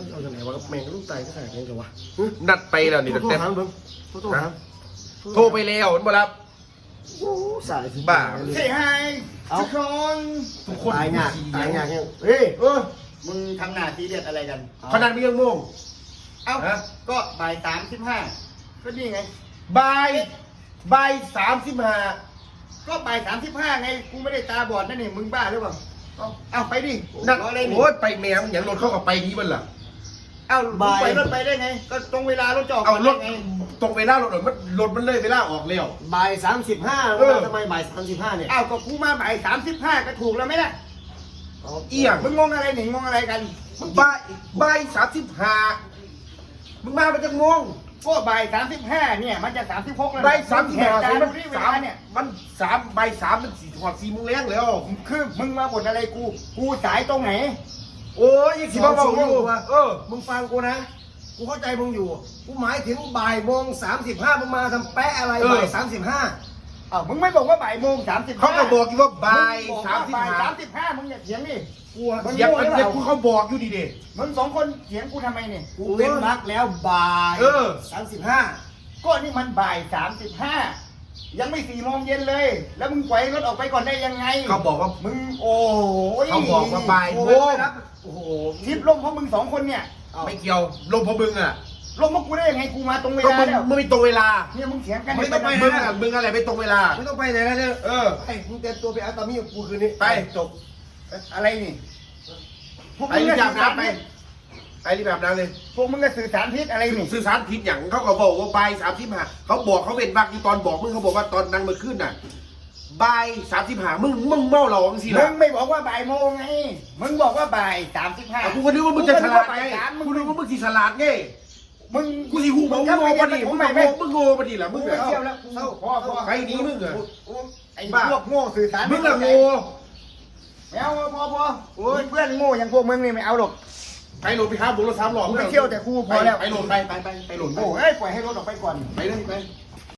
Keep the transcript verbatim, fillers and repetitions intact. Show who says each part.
Speaker 1: เอาจากไหนวะแมงก็ต้องตายก็ขนาดนี้เหรอวะ
Speaker 2: นัดไปแล้วนี่
Speaker 1: โทร
Speaker 2: แต่
Speaker 1: ถามเพิ่งโทรถาม
Speaker 2: โทรไปแล้วมันบ่รับ
Speaker 1: โอ้สายสิ
Speaker 2: บ้า
Speaker 3: เฮ้ยไฮทุกคน
Speaker 2: ทุกคน
Speaker 1: ตายงากตายงากเนี่ยเฮ้ยเออ
Speaker 3: มึงทำหน้าทีเด็ดอะไรกัน
Speaker 2: ขนาดไม่ยังโมง
Speaker 3: เอ้า
Speaker 2: ฮะ
Speaker 3: ก็บ่ายสามสิบห้าก็นี่ไง
Speaker 2: บ่ายบ่ายสามสิบห้า
Speaker 3: ก็บ่ายสามสิบห้าไง กูไม่ได้ตาบอดนั่นนี่มึงบ้าหรือเปล่า เอาเอาไปดิ
Speaker 2: นัด
Speaker 3: รออะไรนี่
Speaker 2: โอ้ยไปแมวอย่างรถเข้ากับไปนี้มันล่ะ
Speaker 3: เอามึงไปรถไปได้ไง ก็ตรงเวลารถจะออก
Speaker 2: เอารถ
Speaker 3: ไง
Speaker 2: ตรงเวลารถหน่อยมันรถมันเลยเวลาออกแล้ว
Speaker 1: บ่ายสามสิบห้า
Speaker 2: เออ
Speaker 1: ทำไมบ่ายสามสิบห้าเนี่ย
Speaker 3: อ้าวก็กูมาบ่ายสามสิบห้าก็ถูกแล้วไหมล่ะ
Speaker 2: เอียง
Speaker 3: มึงงงอะไรหนิงงงอะไรกัน
Speaker 2: มึงบ่ายบ่ายสามสิบห้ามึงมาเป็นจังงง
Speaker 3: ก็บ่ายสามสิบห้าเนี่ยมันจะสามสิบหกแล้ว
Speaker 2: บ่ายสามสิบห้า
Speaker 3: จา
Speaker 2: มัน
Speaker 3: ดูที่เว
Speaker 2: สาม
Speaker 3: ลาเนี่ย
Speaker 2: มันสามบ่ายสามมันสี่ถอดสี่โมงแรงแล้ว
Speaker 3: คือมึงมาบ่นอะไรกู กูสายตรงไหน
Speaker 2: โอ้ยยังสิมาบอกอยู่เออ
Speaker 1: มึงฟังกูนะกูเข้าใจมึงอยู่กูหมายถึงบ่ายโมงสามสิบห้ามึงมาทำแปะอะไร
Speaker 2: เออ
Speaker 1: บ่ายสามสิบห้า
Speaker 3: อ้าวมึงไม่บอกว่าบ่ายโมงสามสิบ
Speaker 2: เขาก็บอกอยู่ว่าบ่ายสามสิบ
Speaker 3: บ่าย
Speaker 2: ห้า
Speaker 3: สามสิบห้ามึงอย่าเถียงดิ
Speaker 1: กูอะ
Speaker 3: มึง
Speaker 2: เสียงมันเสียงกูเขาบอกอยู่ดีเด้
Speaker 3: มึงสองคนเถียงกูทำไมเนี่ย
Speaker 1: กูเว้นวักแล้วบ่าย
Speaker 2: เออ
Speaker 1: สามสิบห้า
Speaker 3: ก็นี่มันบ่ายสามสิบห้ายังไม่สี่โมงเย็นเลย แล้วมึงปล่อยรถออกไปก่อนได้ยังไง
Speaker 2: เขาบอกว่า
Speaker 3: มึงโอ้ย
Speaker 2: เขาบอกว่าบ่าย
Speaker 1: โอ้
Speaker 2: โม
Speaker 1: โห
Speaker 2: ง
Speaker 1: โอ้โห
Speaker 3: ทิปลมเพราะมึงสองคนเนี่ย
Speaker 2: ไม่เกี่ยวลมพอมึงอ่ะ
Speaker 3: ลมพวกกูได้ยังไงกูมาตรงเว
Speaker 2: ก็
Speaker 3: ลา
Speaker 2: มึง
Speaker 3: แล้ว
Speaker 2: มึงไม่ตรงเวลา
Speaker 3: เนี่ยมึงเถียงกัน
Speaker 2: ไม่ต้องไปมึงอ่ะมึงอะไรไม่ตรงเวลา
Speaker 1: ไม่ต้องไปไหนแล้วเนี่ย
Speaker 2: เออ
Speaker 1: ไอ้มึงเตรียมตัวไปอาตามีกับกูคืนนี้
Speaker 2: ไป
Speaker 1: จบ
Speaker 3: อะไรนี่พวก
Speaker 2: ไป
Speaker 3: มึง
Speaker 2: รีบ
Speaker 3: ก็
Speaker 2: อาบ
Speaker 3: สื่อสาร
Speaker 2: น้ำไป
Speaker 3: พิษ
Speaker 2: ไปรีบอาบน้ำเลย
Speaker 3: พวกมึงก็สื่อสารพิษอะไรนี่
Speaker 2: สื่อสารผิดอย่างเขาก็บอกว่าบ่ายสามสิบห้าเขาบอกเขาเป็นบักอยู่ตอนบอกมึงเขาบอกว่าตอนนั่งมาขึ้นน่ะบ่ายสามสิบห้ามึงมึงเมาเหล้าจังสิ
Speaker 3: มึ
Speaker 2: ล่ะ
Speaker 3: งไม่บอกว่าบ่ายโมงไงมึงบอกว่าบ่ายสามสิบห้า
Speaker 2: อ่ะกูก็นึกว่ามึงจะฉลาดไง
Speaker 3: มึ
Speaker 2: กู
Speaker 3: ง
Speaker 2: นึกว่ามึงสิฉลาดไง
Speaker 3: มึง
Speaker 2: กูสิหูมึงโง่ปะดิมึง
Speaker 3: ไม่
Speaker 2: โง่
Speaker 3: ไม่
Speaker 2: มึงโง่ปะดิล่ะมึ
Speaker 3: มึ
Speaker 2: ง
Speaker 3: ง
Speaker 2: แบ
Speaker 3: ไม่
Speaker 2: บ
Speaker 3: เที่ยวแล้วกูพ่อพ่อ
Speaker 2: ใครหนีมึงอะ
Speaker 3: ไอ้พวกโง่สื่อสาร
Speaker 2: มึงอะโง่
Speaker 3: ไม่เอาพอพอโอ้ยเพื่อนโง่อย่างพวกมึงนี่ไม่เอาหรอก
Speaker 2: ไปโหลดไปหาบุญรถสามหลอด
Speaker 3: กูไม่เที่ยวแต่กูพอแล้ว
Speaker 2: ไปโหลดไปไปไปไปโหลดไป
Speaker 3: โอ้ยปล่อยให้รถออกไปก่อน
Speaker 2: ไปเลยไป